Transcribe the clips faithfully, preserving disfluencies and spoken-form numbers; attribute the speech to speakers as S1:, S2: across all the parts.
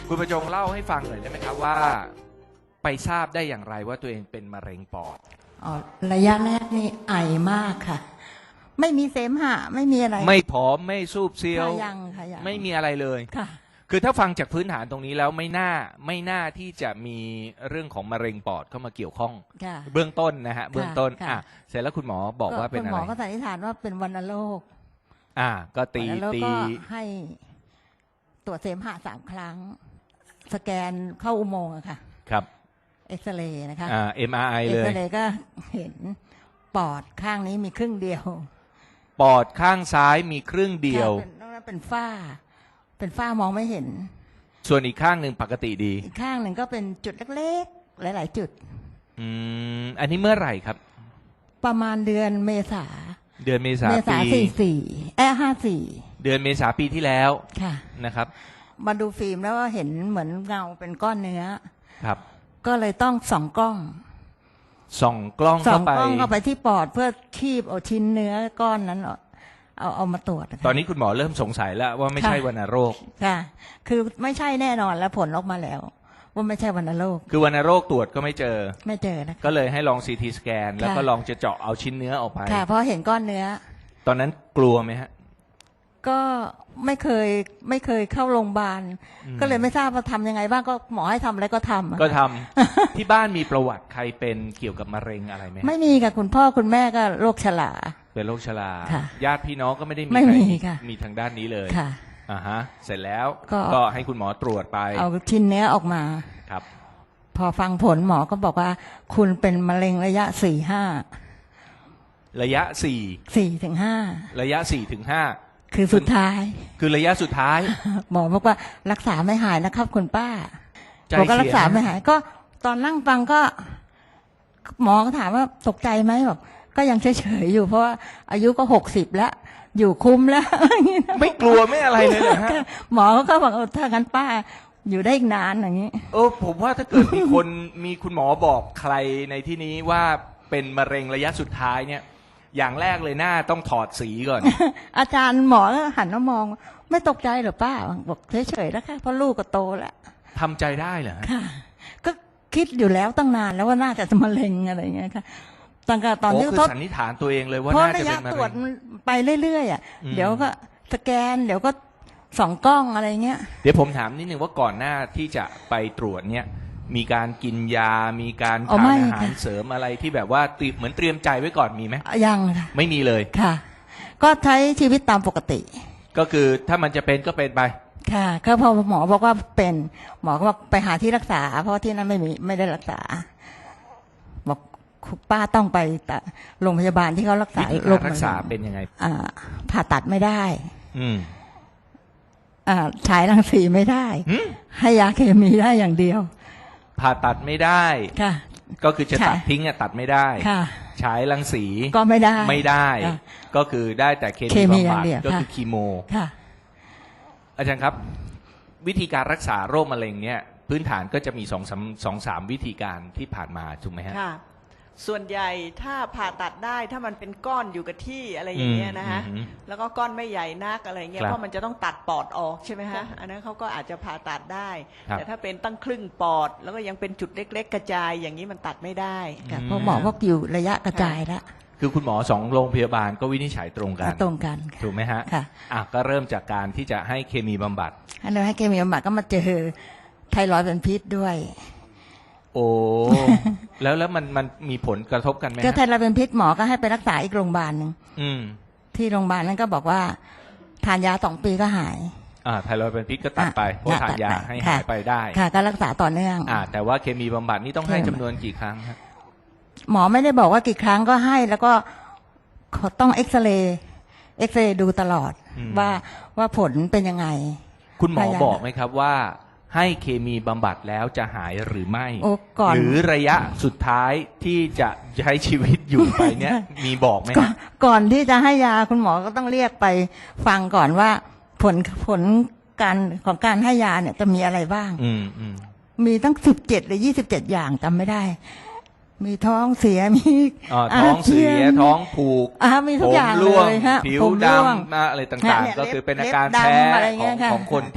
S1: คุณประจงเล่าให้ฟังหน่อยได้ไหมครับว่าไปทราบได้อย่างไรว่าตัวเองเป็นมะเร็งปอด
S2: อ๋อระยะแรกนี่ไอมากค่ะไม่มีเสมหะไม่มีอะไร
S1: ไม่ผอมไม่สูบเซียว
S2: ยังค่ะยัง
S1: ไม่มีอะไรเลย
S2: ค่ะ
S1: คือถ้าฟังจากพื้นฐานตรงนี้แล้วไม่น่าไม่น่าที่จะมีเรื่องของมะเร็งปอดเข้ามาเกี่ยวข้องเบื้องต้นนะฮะเบื้องต้นอ่ะเสร็จแล้วคุณหมอบอกว่าเป็นอะไร
S2: คุณหมอก็สันนิษฐานว่าเป็นวัณโรค
S1: อ่าก็ตีตี
S2: ให้ตรวจเสมหะสามครั้งสแกนเข้าอุโมงค์อะค่ะ
S1: ครับ
S2: เอ็กซเรย์นะคะ
S1: อ่า เอ็ม อาร์ ไอ เลย
S2: เอ็กซเรย์ก็เห็นปอดข้างนี้มีครึ่งเดียว
S1: ปอดข้างซ้ายมีครึ่งเดียวน
S2: อกนั้นเป็นฝ้าเป็นฝ้ามองไม่เห็น
S1: ส่วนอีกข้างหนึ่งปกติดี
S2: อีกข้างหนึ่งก็เป็นจุดเล็กๆหลายๆจุด
S1: อืมอันนี้เมื่อไหร่ครับ
S2: ประมาณเดือนเมษา
S1: เดือนเมษา
S2: เมษาสี่สี่เอ้ห้าสี่
S1: เดือนเมษาปีที่แล้ว
S2: ค่ะ
S1: นะครับ
S2: มาดูฟิล์มแล้วก็เห็นเหมือนเงาเป็นก้อนเนื้อ
S1: ครับ
S2: ก็เลยต้องส่องกล้อง
S1: ส่องกล้อง
S2: ส่อ
S1: เข้างไป
S2: กล้องเข้าไปที่ปอดเพื่อคีบเอาชิ้นเนื้อก้อนนั้นเอาเอามาตรวจ
S1: ตอนนี้คุณหมอเริ่มสงสัยแล้วว่าไม่ใช่วัณโรค
S2: ค่ะคือไม่ใช่แน่นอนแล้วผลออกมาแล้วว่าไม่ใช่วัณโรค
S1: คือวัณโรคตรวจก็ไม่เจอ
S2: ไม่เจอนะ
S1: ก็เลยให้ลองซีทีสแกนแล้วก็ลองจะเจาะเอาชิ้นเนื้อออกไป
S2: ค่ะเพราะเห็นก้อนเนื้อ
S1: ตอนนั้นกลัวไหมฮะ
S2: ก็ไม่เคยไม่เคยเข้าโรงพยาบาลก็เลยไม่ทราบว่าทำยังไงบ้างก็หมอให้ทำอะไรก็ทำ
S1: ก็ทำ ที่บ้านมีประวัติใครเป็นเกี่ยวกับมะเร็งอะไรไหม
S2: ไม่มีค่ะคุณพ่อคุณแม่ก็โรคฉลา
S1: เป็นโรคชราญาติพี่น้องก็ไม่ได้มี
S2: ใคร
S1: มีทางด้านนี้เลย
S2: ค่ะ
S1: อ่าฮะเสร็จแล้วก็ให้คุณหมอตรวจไป
S2: เอาชิ้นเนื้อออกมา
S1: ครับ
S2: พอฟังผลหมอก็บอกว่าคุณเป็นมะเร็งระยะสี่ห้า
S1: ระยะสี่
S2: สี่ถึงห้า
S1: ระยะสี่ถึงห้า
S2: คือสุดท้าย
S1: คือระยะสุดท้าย
S2: หมอบอกว่ารักษาไม่หายนะครับคุณป้าบอกก็รักษาไม่หายก็ตอนนั่งฟังก็หมอก็ถามว่าตกใจไหมบอกก็ยังเฉยๆอยู่เพราะว่าอายุก็หกสิบแล้วอยู่คุ้มแล้ว
S1: ไม่กลัวไม่อะไรเลยเหรอฮะ
S2: หมอก็บอกเออถ้างั้นป้าอยู่ได้อีกนานอย่างนี้
S1: เออผมว่าถ้าเกิดมีคนมีคุณหมอบอกใครในที่นี้ว่าเป็นมะเร็งระยะสุดท้ายเนี่ยอย่างแรกเลยหน้าต้องถอดสีก่อน
S2: อาจารย์หมอก็หันมามองไม่ตกใจเหรอป้าบอกเฉยๆแล้วค่ะเพราะลูกก็โตแล้ว
S1: ทำใจได้เหรอ
S2: ค่ะก็คิดอยู่แล้วตั้งนานแล้วว่าน่าจะมะเร็งอะไรอย่างเงี้ยค่ะตั้งแต่ตอนที่
S1: ทดสันนิษฐานตัวเองเลยว่าน่าจะเป็นมะเร็ง
S2: เพราะระยะตรวจไปเรื่อยๆอ่ะเดี๋ยวก็สแกนเดี๋ยวก็ส่องกล้องอะไรเงี้ย
S1: เดี๋ยวผมถามนิดนึงว่าก่อนหน้าที่จะไปตรวจเนี่ยมีการกินยามีการทานอาหารเสริมอะไรที่แบบว่าเหมือนเตรียมใจไว้ก่อนมีไหม
S2: ยังค่ะ
S1: ไม่มีเลย
S2: ค่ะก็ใช้ชีวิตตามปกติ
S1: ก็คือถ้ามันจะเป็นก็เป็นไป
S2: ค่ะก็พอหมอบอกว่าเป็นหมอก็บอกไปหาที่รักษาเพราะที่นั้นไม่มีไม่ได้รักษาบอกป้าต้องไปแต่โรงพยาบาลที่เขารักษาโรค
S1: รักษาเป็นยังไง
S2: อ่าผ่าตัดไม่ได้
S1: อืม
S2: อ่าฉายรังสีไม่ได้ให้ยาเคมีได้อย่างเดียว
S1: ผ่าตัดไม่ได้
S2: ค่ะ
S1: ก็คือจะตัดทิ้งอะตัดไม่ได้
S2: ค่ะ
S1: ฉายรังสี
S2: ก็ไม่ได้
S1: ไม่ได้ก็คือได้แต่เคมีบำบัดก็คือคีโม
S2: ค่ะ
S1: อาจารย์ครับวิธีการรักษาโรคมะเร็งเนี่ยพื้นฐานก็จะมีสองสามสองสามวิธีการที่ผ่านมาถูกไหมฮะ
S3: ค่ะส่วนใหญ่ถ้าผ่าตัดได้ถ้ามันเป็นก้อนอยู่กับที่อะไรอย่างเงี้ยนะฮะแล้วก็ก้อนไม่ใหญ่นักอะไรเงี้ยเพราะมันจะต้องตัดปอดออกใช่ไหมฮะอันนั้นเขาก็อาจจะผ่าตัดได้แต่ถ้าเป็นตั้งครึ่งปอดแล้วก็ยังเป็นจุดเล็กๆกระจายอย่างนี้มันตัดไม่ได้
S2: เพราะหมอบอกอยู่ระยะกระจายแล้ว
S1: คือคุณหมอสองโรงพยาบาลก็วินิจฉัยตรงกัน
S2: ตรงกัน
S1: ถูกไหมฮะ
S2: ค่ะ
S1: อ่ะก็เริ่มจากการที่จะให้เคมีบำบัด
S2: ให้เราให้เคมีบำบัดก็มาเจอไทรอยด์เป็นพิษด้วย
S1: โอ้แล้วแล้วมันมันมีผลกระทบกันไหม
S2: ก็ไทรอยด์เป็นพิษหมอก็ให้ไปรักษาอีกโรงพยาบาลหนึ่งที่โรงพยาบาลนั้นก็บอกว่าทานยาสองปีก็หาย
S1: อ่าไทรอยด์เป็นพิษก็ตัดไปเพราะทานยาให้หายไปได้
S2: ค่ะก็รักษาต่อเนื่อง
S1: อ่าแต่ว่าเคมีบำบัดนี่ต้องให้จำนวนกี่ครั้งครับ
S2: หมอไม่ได้บอกว่ากี่ครั้งก็ให้แล้วก็ต้องเอ็กซเรย์เอ็กซเรย์ดูตลอดว่าว่าผลเป็นยังไง
S1: คุณหมอบอกไหมครับว่าให้เคมีบำบัดแล้วจะหายหรือไม่หรือระยะสุดท้ายที่จะใช้ชีวิตอยู่ไปเนี้ยมีบอกไหม
S2: ก่อนที่จะให้ยาคุณหมอก็ต้องเรียกไปฟังก่อนว่าผลผลการของการให้ยาเนี่ยจะมีอะไรบ้าง
S1: อืมอืม
S2: มีตั้งสิบเจ็ดหรือยี่สิบเจ็ดอย่างจำไม่ได้มีท้องเสียมี
S1: ท้องเสียท้องผูก
S2: มีทุกอย่างเลยฮะ
S1: ผิวดำอะไรต่างๆก็คือเป็นอาการแพ้ของของคนที่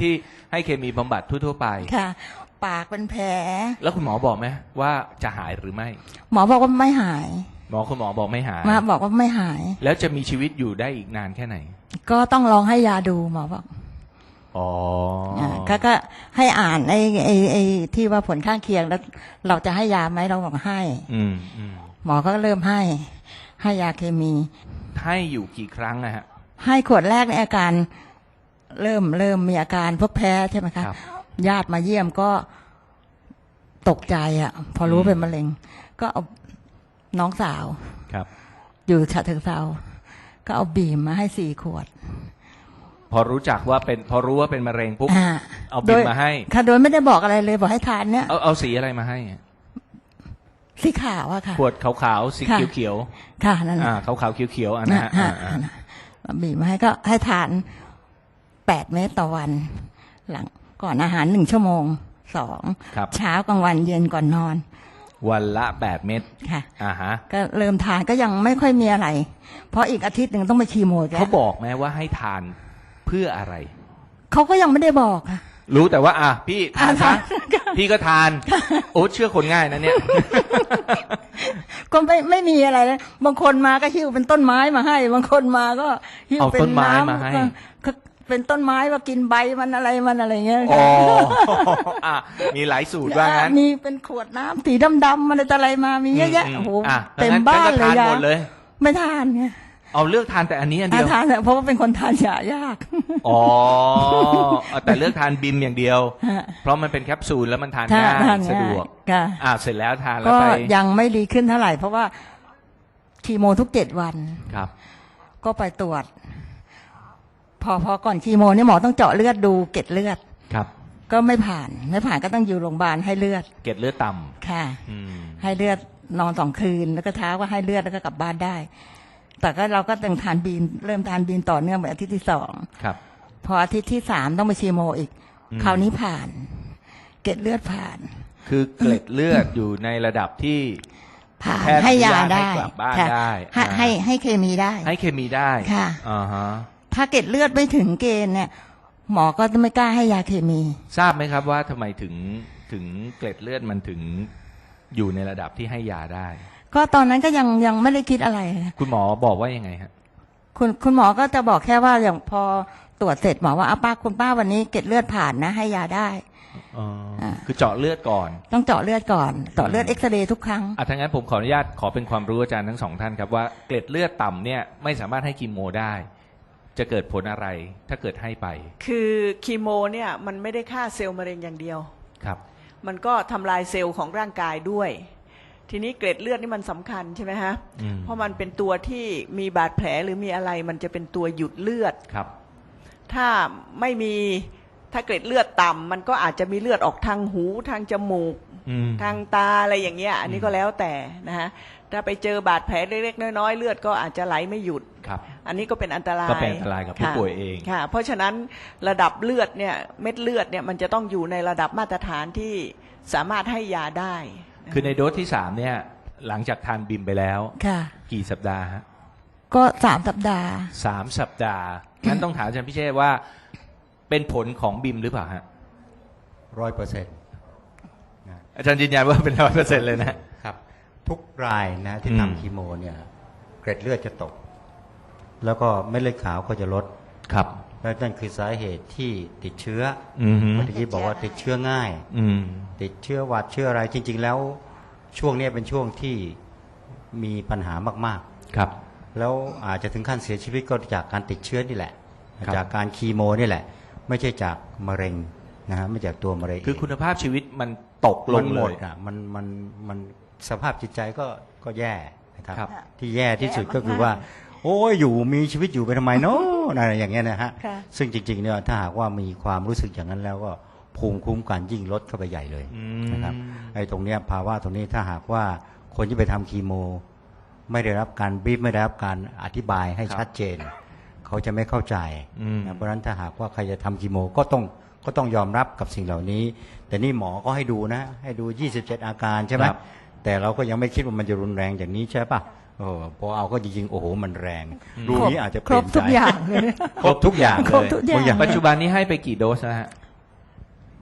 S1: ให้เคมีบำบัดทั่วๆไป
S2: ค่ะ ปากเป็นแผล
S1: แล้วคุณหมอบอกไหมว่าจะหายหรือไม่
S2: หมอบอกว่าไม่หาย
S1: หมอคุณหมอบอกไม่หาย
S2: มาบอกว่าไม่หาย
S1: แล้วจะมีชีวิตอยู่ได้อีกนานแค่ไหน
S2: ก็ต้องลองให้ยาดูหมอบอก
S1: อ๋อ
S2: อ่าก็ก็ให้อ่านไอ้ไอ้ไอ้ที่ว่าผลข้างเคียงแล้ว เราจะให้ยาไหมเราบอกให้
S1: อืมอืม
S2: หมอก็เริ่มให้ ให้ยาเคมี
S1: ให้อยู่กี่ครั้งนะฮะ
S2: ให้ขวดแรกในอาการ เริ่มเริ่มมีอาการพวกแพ้ใช่ไหมคะ
S1: ครับ
S2: ญาติมาเยี่ยมก็ตกใจอ่ะ พอรู้
S1: อืม
S2: เป็นมะเร็ง ก็เอาน้องสาว
S1: ครับ
S2: อยู่ฉะเชิงเทราก็เอาบีมมาให้สี่ขวด
S1: พอรู้จักว่าเป็นพอรู้ว่าเป็นมะเร็งปุ๊บ
S2: อ่า
S1: เอาบีมมาให้
S2: ค่ะโดยไม่ได้บอกอะไรเลยบอกให้ทานเนี่ย
S1: เอาเอาสีอะไรมาให้
S2: สีขาวอะค่ะ
S1: ขวดขาวๆสี
S2: ค่ะ
S1: เขียว
S2: ค่ะนั่น
S1: ๆ
S2: แห
S1: อ่า
S2: ละ
S1: ขาวๆเขียวๆอันนะฮะ
S2: อ่า
S1: อ่า
S2: อ่าอ่าบีบมาให้ก็ให้ทานแปดเม็ดต่อวัน หลังก่อนอาหารหนึ่งชั่วโมงสอง
S1: ครับ
S2: เช้ากลางวันเย็นก่อนนอน
S1: วันละแปดเม็ด
S2: ค่ะ
S1: อ่าฮะ
S2: ก็เริ่มทานก็ยังไม่ค่อยมีอะไร เพราะอีกอาทิตย์หนึ่งต้องไปคีโมแก
S1: เขาบอกไหมว่าให้ทานเพื่ออะไร
S2: เขาก็ยังไม่ได้บอกค่ะ
S1: รู้แต่ว่า อ่ะพี่ทาน
S2: อ่า
S1: ซะ
S2: ทาน
S1: พี่ก็ทาน โอ้เชื่อคนง่ายนะเนี่ย
S2: ก็ไม่ไม่มีอะไรเลยบางคนมาก็หิ้วเป็นต้นไม้มาให้ บางคนมาก็หิ้ว
S1: เอา
S2: เป็น
S1: ต้นไม้
S2: น้ำ
S1: มาให้
S2: ก็เป็นต้นไม้ว่ากินใบมันอะไรมันอะไรเงี้ย
S1: อ๋ออ่ะมีหลายสูตรว่างั้น
S2: มีเป็นขวดน้ำสีดำๆมันอะไรมามีเยอะแยะ
S1: ม
S2: โอ้โห
S1: อ่ะ
S2: เต็ม
S1: งั้
S2: บ้าน
S1: งั้
S2: เลย
S1: ทาน
S2: ยา
S1: หมดเลย
S2: ไม่ทานไง
S1: เอาเลือกทานแต่อันนี้อันเดี
S2: อ่ะ
S1: ยว
S2: ทานเถอะเพราะว่าเป็นคนทานยายาก
S1: อ๋อเอาแต่เลือกทานบิมอย่างเดียว
S2: ฮะ
S1: เพราะมันเป็นแคปซูลแล้วมันทาน
S2: ทาน
S1: ง่าย
S2: ทาน
S1: สะดวก
S2: ค่ะ
S1: อ่าเสร็จแล้วทานแล้ว
S2: ก็
S1: ไป
S2: ยังไม่ดีขึ้นเท่าไหร่ เพราะว่าคีโมทุกเจ็ดวัน
S1: ครับ
S2: ก็ไปตรวจ พอพอก่อนคีโมเนี่ยหมอต้องเจาะเลือดดูเกล็ดเลือด
S1: ครับ
S2: ก็ไม่ผ่าน ไม่ผ่านก็ต้องอยู่โรงพยาบาลให้เลือด
S1: เกล็ดเลือดต่
S2: ค่ะ
S1: ำอืม
S2: ให้เลือดนอนสองคืน แล้วก็เช้าก็ให้เลือดแล้วก็กลับบ้านได้ แต่ก็เราก็ต้องทานบีนเริ่มทานบีนต่อเนื่องไปอาทิตย์ที่สอง
S1: ครับ
S2: พออาทิตย์ที่สามต้องไปคีโมอีก
S1: อืม
S2: คราวนี้ผ่าน เกล็ดเลือดผ่าน
S1: คือเกล็ดเลือดอยู่ในระดับที่
S2: ผ่าน
S1: แพทย์
S2: ให้ยา
S1: อนุญาตให้
S2: ได้
S1: กลับบ้าน
S2: ค่ะ
S1: ได้
S2: ให้
S1: อ่า
S2: ให้ให้เคมีได้
S1: ให้เคมีได้
S2: ค่ะ
S1: อ่าฮะ
S2: ถ้าเกล็ดเลือดไม่ถึงเกณฑ์เนี่ย หมอก็จะไม่กล้าให้ยาเคมี
S1: ทราบไหมครับว่าทำไมถึงถึงเกล็ดเลือดมันถึงอยู่ในระดับที่ให้ยาได้
S2: ก็ตอนนั้นก็ยังยังไม่ได้คิดอะไร
S1: คุณหมอบอกว่ายังไงฮะ
S2: คุณคุณหมอก็จะบอกแค่ว่าอย่างพอตรวจเสร็จหมอว่าอาป้าคุณป้าวันนี้เกล็ดเลือดผ่านนะ ให้ยาได้
S1: อ๋ออา คือเจาะเลือดก่อน
S2: ต้องเจาะเลือดก่อนเจาะเลือดเอ็กซเรย์ทุกครั้ง
S1: อ่ะถ้างั้นผมขออนุญาตขอเป็นความรู้อาจารย์ทั้งสองท่านครับว่าเกล็ดเลือดต่ำเนี่ยไม่สามารถให้คีโมได้ จะเกิดผลอะไรถ้าเกิดให้ไป
S3: คือคีโมเนี่ยมันไม่ได้ฆ่าเซลล์มะเร็งอย่างเดียว
S1: ครับ
S3: มันก็ทำลายเซลล์ของร่างกายด้วย ทีนี้เกล็ดเลือดนี่มันสำคัญใช่ไหมฮะ
S1: อืม
S3: เพราะมันเป็นตัวที่มีบาดแผลหรือมีอะไรมันจะเป็นตัวหยุดเลือด
S1: ครับ
S3: ถ้าไม่มีถ้าเกล็ดเลือดต่ำมันก็อาจจะมีเลือดออกทางหูทางจมูก
S1: อืม
S3: ทางตาอะไรอย่างเงี้ย อันนี้ก็แล้วแต่นะฮะถ้าไปเจอบาดแผลเล็กๆน้อยๆเลือดก็อาจจะไหลไม่หยุด
S1: ครับ
S3: อันนี้ก็เป็นอันตราย
S1: ก็เป็นอันตรายกับผู้
S3: ค่ะ
S1: ป่วยเอง
S3: ค่ะ เพราะฉะนั้นระดับเลือดเนี่ยเม็ดเลือดเนี่ยมันจะต้องอยู่ในระดับมาตรฐานที่สามารถให้ยาได้
S1: คือในโดสที่สามเนี่ยหลังจากทานบิมไปแล้ว
S2: ค่ะ
S1: กี่สัปดาห์ฮะ
S2: ก็สามสัปดาห์
S1: สามสัปดาห์งั้นต้องถามอาจารย์พิเชษว่าเป็นผลของบิมหรือเปล่าฮะ
S4: ร้อยเปอร์เซ็นต์
S1: อาจารย์ยืนยันว่าเป็นร้อยเปอร์เซ็นต์เลยนะ
S4: ครับ ทุกรายนะที่
S1: อืม
S4: ทำคีโมเนี่ยเกร็ดเลือดจะตก แล้วก็เม็ดเลือดขาวก็จะลด
S1: ครับ
S4: และนั่นคือสาเหตุที่ติดเชื้อ
S1: อืม
S4: เมื่อกี้บอกว่าติดเชื้อง่าย
S1: อืม
S4: ติดเชื้อหวัดเชื้ออะไรจริง ๆ แล้วช่วงเนี้ยเป็นช่วงที่มีปัญหามาก
S1: ครับ
S4: ๆ แล้วอาจจะถึงขั้นเสียชีวิตก็จากการติดเชื้อนี่แหละ
S1: ครับ
S4: จากการคีโมนี่แหละ ไม่ใช่จากมะเร็งนะฮะไม่จากตัวมะเร็ง
S1: คือคุณภาพชีวิตมันตกล
S4: มั
S1: ง
S4: นห
S1: เล
S4: มด
S1: ย
S4: อ่ะมันมันมันสภาพจิตใจก็ก็แย่นะครับ
S1: ครับ
S4: ที่แย่ที่สุด
S2: แย่มากๆ
S4: ก็คือว่า โอ้ยอยู่มีชีวิตอยู่ไปทำไมเนาะอะไรอย่างเงี้ยนะฮะ
S2: ค่ะ
S4: ซึ่งจริงๆเนี่ยถ้าหากว่ามีความรู้สึกอย่างนั้นแล้วก็ภูมิคุ้มกันยิ่งลดเข้าไปใหญ่เลย
S1: อืม
S4: นะครับไอ้ตรงเนี้ยภาวะตรงนี้ถ้าหากว่าคนที่ไปทำคีโม ไม่ได้รับการบีบไม่ได้รับการอธิบายให้ชัดเจน เขาจะไม่เข้าใจ
S1: อืม
S4: นะเพราะฉะนั้นถ้าหากว่าใครจะทำคีโมก็ต้องก็ต้องยอมรับกับสิ่งเหล่านี้ แต่นี่หมอก็ให้ดูนะ ให้ดูยี่สิบเจ็ดอาการใช่ไหม
S1: ครับ
S4: แต่เราก็ยังไม่คิดว่ามันจะรุนแรงอย่างนี้ใช่ปะโอ้โหพอเอาก็จริงๆโอ้โหมันแรง ดูนี้อาจจะ
S2: ครบทุกอย่างเลย
S4: ครบทุกอย่างเลย
S2: ครบทุกอย่าง
S4: บางอย่าง
S1: ปัจจุบันนี้ให้ไปกี่โดสนะฮะ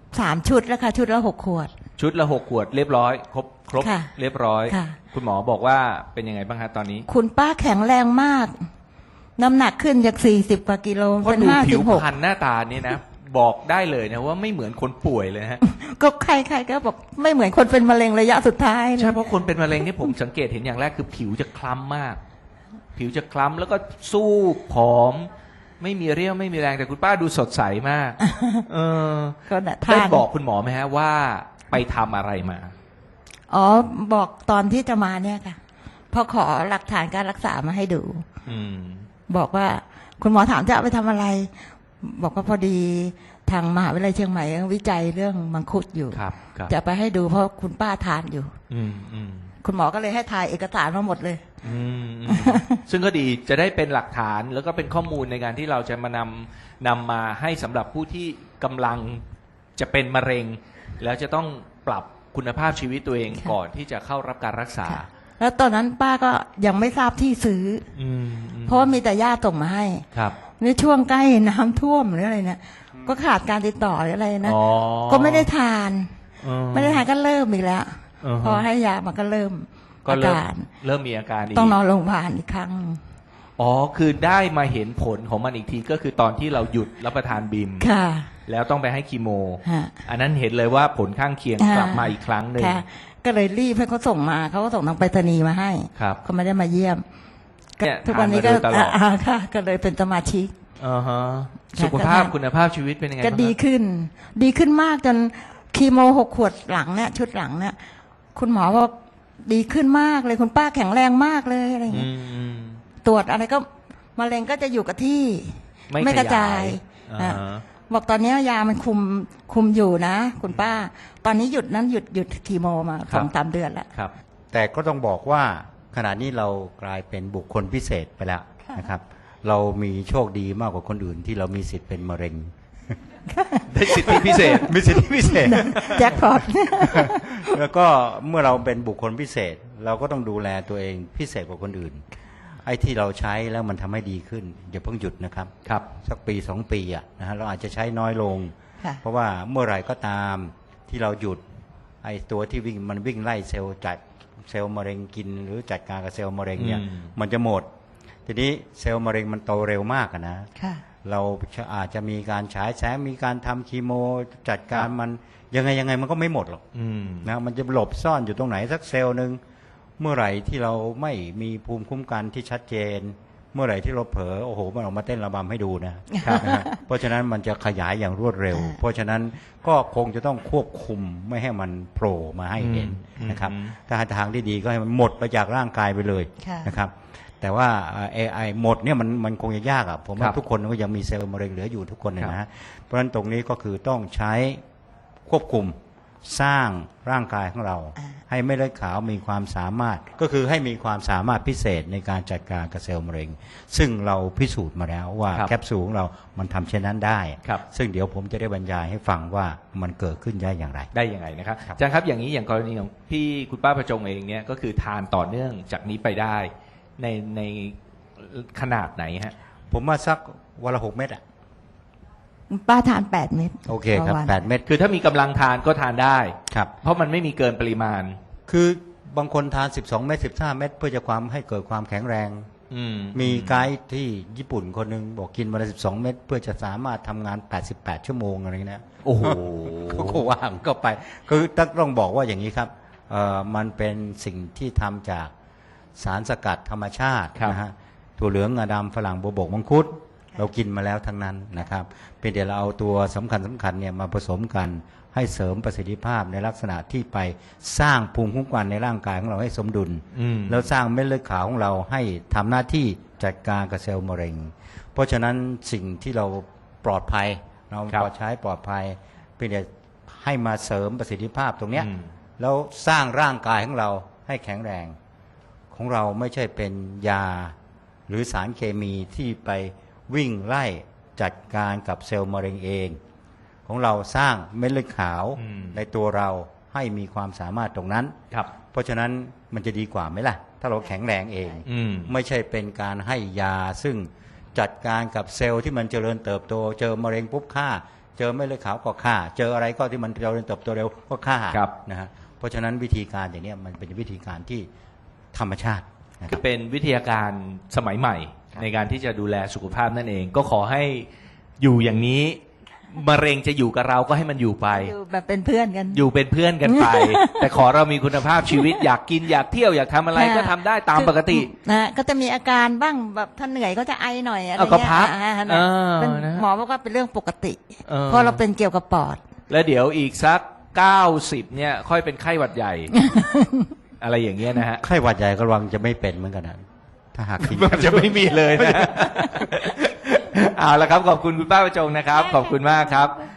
S2: สามชุดแล้วค่ะชุดละหกขวด
S1: ชุดละหกขวดเรียบร้อยครบครบ
S2: ค่ะ
S1: เรียบร้อย
S2: ค่ะ
S1: คุณหมอบอกว่าเป็นยังไงบ้างคะตอนนี้
S2: คุณป้าแข็งแรงมาก น้ำหนักขึ้นจากสี่สิบกว่ากิโล
S1: เพราะ
S2: เป็น
S1: ดู
S2: ห้า
S1: ผิ
S2: สิ
S1: ว
S2: บหก
S1: พรรณหน้าตานี่นะ บอกได้เลยนะว่าไม่เหมือนคนป่วยเลยนะฮะ
S2: ก็ใครๆก็บอกไม่เหมือนคนเป็นมะเร็งระยะสุดท้ายเลย
S1: ใช่เพราะคนเป็นมะเร็งนี่ผมสังเกตเห็นอย่างแรกคือผิวจะคล้ำมาก ผิวจะคล้ำแล้วก็สู้ผอม ไม่มีเรี่ยวไม่มีแรงแต่คุณป้าดูสดใสมาก เออ
S2: ก็น่ะ
S1: ได้
S2: ทาน
S1: บอกคุณหมอไหมฮะว่าไปทำอะไรมา
S2: อ๋อบอกตอนที่จะมาเนี่ยค่ะพอขอหลักฐานการรักษามาให้ดู
S1: อืม
S2: บอกว่าคุณหมอถามจะเอาไปทำอะไร บอกว่าพอดีทางมหาวิทยาลัยเชียงใหม่วิจัยเรื่องมังคุดอยู่
S1: ครับครับ
S2: จะไปให้ดูเพราะคุณป้าทานอยู่
S1: อืมอืม
S2: คุณหมอก็เลยให้ถ่ายเอกสารมาหมดเลย
S1: อืมอืมซึ่งก็ดีจะได้เป็นหลักฐานแล้วก็เป็นข้อมูลในการที่เราจะมานำนำมาให้สำหรับผู้ที่กำลังจะเป็นมะเร็ง แล้วจะต้องปรับคุณภาพชีวิตตัวเอง
S2: ค่ะ
S1: ก่อนที่จะเข้ารับการรักษา
S2: ค่ะแล้วตอนนั้นป้าก็ยังไม่ทราบที่ซื้อ
S1: อืมอื
S2: เพราะว่ามีแต่ญาติส่งมาให้
S1: ครับ
S2: ในช่วงใกล้น้ำท่วมหรืออะไรเนี่ยก็ขาดการติดต่อหรืออะไรนะ
S1: อ๋อ
S2: ก็ไม่ได้ทาน
S1: อื
S2: ไม่ได้ทานก็เริ่มอีกแล้ว
S1: อือฮะ
S2: พอให้ยามันก็เริ่ม
S1: ก็
S2: อา
S1: เริ่ม
S2: การ
S1: เริ่มมีอาการอีก
S2: ต้องนอนโรงพยาบาลอีกครั้ง
S1: อ๋อคือได้มาเห็นผลของมันอีกทีก็คือตอนที่เราหยุดรับประทานบิม
S2: ค่ะ
S1: แล้วต้องไปให้คีโม
S2: ฮะ
S1: อันนั้นเห็นเลยว่าผลข้างเคียง
S2: อ่าก
S1: ลับมาอีกครั้งหนึ่ง
S2: ค่ะ ก็เลยรีบให้เขาส่งมาเขาก็ส่งทางไปรษณีย์มาให้
S1: ครับ
S2: เขาไม่ได้มาเยี่ยม
S1: เนี่ย
S2: ทุกวันนี้ก็
S1: ทานมาโดยตลอด
S2: อ่าค่ะ ก็เลยเป็นสมาชิก
S1: อ่าฮะ
S2: ค่ะ
S1: สุขภาพ
S2: ก็ได้
S1: คุณภาพชีวิตเป็นยังไง
S2: ก็
S1: บ้าง
S2: ดี
S1: ครับ
S2: ขึ้น ดีขึ้นมากจนคีโมหกขวดหลังเนี่ยชุดหลังเนี่ยคุณหมอบอกดีขึ้นมากเลยคุณป้าแข็งแรงมากเลยอะไรอย่าง
S1: อื
S2: เงี้ย
S1: มอืม
S2: ตรวจอะไรก็มะเร็งก็จะอยู่กับที่
S1: ไม่
S2: กระจาย
S1: ขยายอ่า
S2: อ่ะบอกตอนนี้ยามันคุมคุมอยู่นะ คุณป้า ตอนนี้หยุดนั้นหยุดหยุดคีโมมาสองสามเดือนแล้ว
S1: ครับ
S4: แต่ก็ต้องบอกว่าขณะนี้เรากลายเป็นบุคคลพิเศษไปแล้วนะครับ เรามีโชคดีมากกว่าคนอื่นที่เรามีสิทธิ์เป็นมะเร็ง
S1: ได้สิทธิพิเศษ
S4: มีสิทธิพิเศษ
S2: แจ็คพอต
S4: แล้วก็เมื่อเราเป็นบุคคลพิเศษ เราก็ต้องดูแลตัวเองพิเศษกว่าคนอื่น ไอ้ที่เราใช้แล้วมันทำให้ดีขึ้นอย่าเพิ่งหยุดนะครับ
S1: ครับ
S4: สักปีสองปีอ่ะนะฮะเราอาจจะใช้น้อยลง
S2: ค่ะ
S4: เพราะว่าเมื่อไหร่ก็ตามที่เราหยุดไอ้ตัวที่วิ่งมันวิ่งไล่เซลล์จัดเซลล์มะเร็งกิน หรือจัดการกับเซลล์มะเร็งเนี่ย
S1: อืม
S4: มันจะหมด ทีนี้เซลล์มะเร็งมันโตเร็วมากอะนะ
S2: ค่ะ
S4: เราอาจจะมีการฉายแสงมีการทำคีโมจัดการมันยังไงยังไงมันก็ไม่หมดหรอก
S1: อืม
S4: นะมันจะหลบซ่อนอยู่ตรงไหนสักเซลล์หนึ่งเมื่อไหร่ที่เราไม่มีภูมิคุ้มกันที่ชัดเจน เมื่อไหร่ที่เราเผลอโอ้โหมันออกมาเต้นระบำให้ดูนะครับ นะฮะเพราะฉะนั้นมันจะขยายอย่างรวดเร็ว เพราะฉะนั้นก็คงจะต้องควบคุมไม่ให้มันโผล่มาให้เห็น
S1: อืม
S4: นะครับ
S1: อืม
S4: ถ้าหาทางที่ดีก็ให้มันหมดไปจากร่างกายไปเลย
S2: ค่ะ
S4: นะครับ แต่ว่าเอไอหมดเนี่ยมันมันคงจะยากอ่ะผม
S1: ค
S4: ว่า
S1: รับ
S4: ทุกคนก็ยังมีเซลล์มะเร็งเหลืออยู่ทุกคนเนี่ย
S1: ครับ
S4: นะฮะเพราะฉะนั้นตรงนี้ก็คือต้องใช้ควบคุมสร้างร่างกายของเรา
S2: อ่า
S4: ให้เม็ดเลือดขาวมีความสามารถ ก็คือให้มีความสามารถพิเศษในการจัดการกับเซลล์มะเร็ง ซึ่งเราพิสูจน์มาแล้วว่า
S1: ครับ
S4: แคปซูลของเรามันทำเช่นนั้นได้
S1: ครับ
S4: ซึ่งเดี๋ยวผมจะได้บรรยายให้ฟังว่ามันเกิดขึ้นได้อย่างไร
S1: ได้ยังไงนะครับ
S4: ครับ
S1: อาจารย์ครับอย่างนี้อย่างกรณีของพี่คุณป้าประจงเองเนี่ยก็คือทานต่อเนื่องจากนี้ไปได้ในในขนาดไหนฮะ
S4: ผมว่าสักวันละหกเม็ดอ่ะ
S2: ป้าทานแปดเม็ด
S4: โอเคครับ
S2: ต่อวัน
S4: แปดเม็ด
S1: คือถ้ามีกำลังทานก็ทานได้
S4: ครับ
S1: เพราะมันไม่มีเกินปริมาณ
S4: คือบางคนทาน สิบสอง เม็ดสิบห้า เม็ดเพื่อจะความให้เกิดความแข็งแรง
S1: อืม
S4: มีไกด์ที่ญี่ปุ่นคนหนึ่งบอกกินวันละสิบสอง เม็ดเพื่อจะสามารถทำงาน แปดสิบแปด ชั่วโมงอะไรเงี้ยนะ
S1: โอ้โห
S4: เขาก็ว่างก็ไป คือต้องบอกว่าอย่างนี้ครับเอ่อมันเป็นสิ่งที่ทำจากสารสกัดธรรมชาติ
S1: ครับ
S4: นะฮะถั่วเหลืองงาดำฝรั่งบัวบกมังคุด เรากินมาแล้วทั้งนั้นนะครับเป็นเดี๋ยวเราเอาตัวสำคัญสำคัญเนี่ยมาผสมกันให้เสริมประสิทธิภาพในลักษณะที่ไปสร้างภูมิคุ้มกันในร่างกายของเราให้สมดุล
S1: อืม
S4: แล้วสร้างเม็ดเลือดขาวของเราให้ทำหน้าที่จัดการกับเซลล์มะเร็ง เพราะฉะนั้นสิ่งที่เราปลอดภัย เรา
S1: ครับ
S4: ปลอดใช้ปลอดภัยเป็นแต่ให้มาเสริมประสิทธิภาพตรงเนี้ย
S1: อืม
S4: แล้วสร้างร่างกายของเราให้แข็งแรง ของเราไม่ใช่เป็นยาหรือสารเคมีที่ไปวิ่งไล่จัดการกับเซลล์มะเร็งเอง ของเราสร้างเม็ดเลือดขาว
S1: อืม
S4: ในตัวเราให้มีความสามารถตรงนั้น
S1: ครับ
S4: เพราะฉะนั้นมันจะดีกว่าไหมล่ะ ถ้าเราแข็งแรงเอง
S1: อืม
S4: ไม่ใช่เป็นการให้ยาซึ่งจัดการกับเซลล์ที่มันเจริญเติบโต เจอมะเร็งปุ๊บฆ่าเจอเม็ดเลือดขาวก็ฆ่า เจออะไรก็ที่มันเร็วเติบโตเร็วก็ฆ่า
S1: ครับ
S4: นะฮะเพราะฉะนั้นวิธีการอย่างเนี้ยมันเป็นวิธีการที่ธรรมชาตินะค
S1: คื
S4: รับ
S1: อเป็นวิทยาการสมัยใหม่
S4: ครับ
S1: ในการที่จะดูแลสุขภาพนั่นเอง ก็ขอให้อยู่อย่างนี้มะเร็งจะอยู่กับเราก็ให้มันอยู่ไป
S2: อยู่แบบเป็นเพื่อนกัน
S1: อยู่เป็นเพื่อนกันไป แต่ขอเรามีคุณภาพชีวิตอยากกินอยากเที่ยวอยากทำอะไรก็ทำได้ตามปกติ
S2: นะก็จะมีอาการบ้างแบบถ้าเหนื่อยก็จะไอหน่อยอะไร
S1: เอาก็
S2: เงี้ย
S1: พัก
S2: อ่านะ
S1: เออ
S2: เป็น
S1: นะ
S2: หมอบอกว่าเป็นเรื่องปกติ
S1: เออ
S2: เพราะเราเป็นเกี่ยวกับปอด
S1: แล้วเดี๋ยวอีกสักเก้าสิบเนี่ย ค่อยเป็นไข้หวัดใหญ่ อะไรอย่างเงี้ยนะฮะ
S4: ไข้หวัดใหญ่ก็ระวังจะไม่เป็นเหมือนกันนะถ้าหากกิน
S1: มันจะไม่มีเลยนะ เอาละครับขอบคุณคุณป้าประจงนะครับ ขอบคุณมากครับ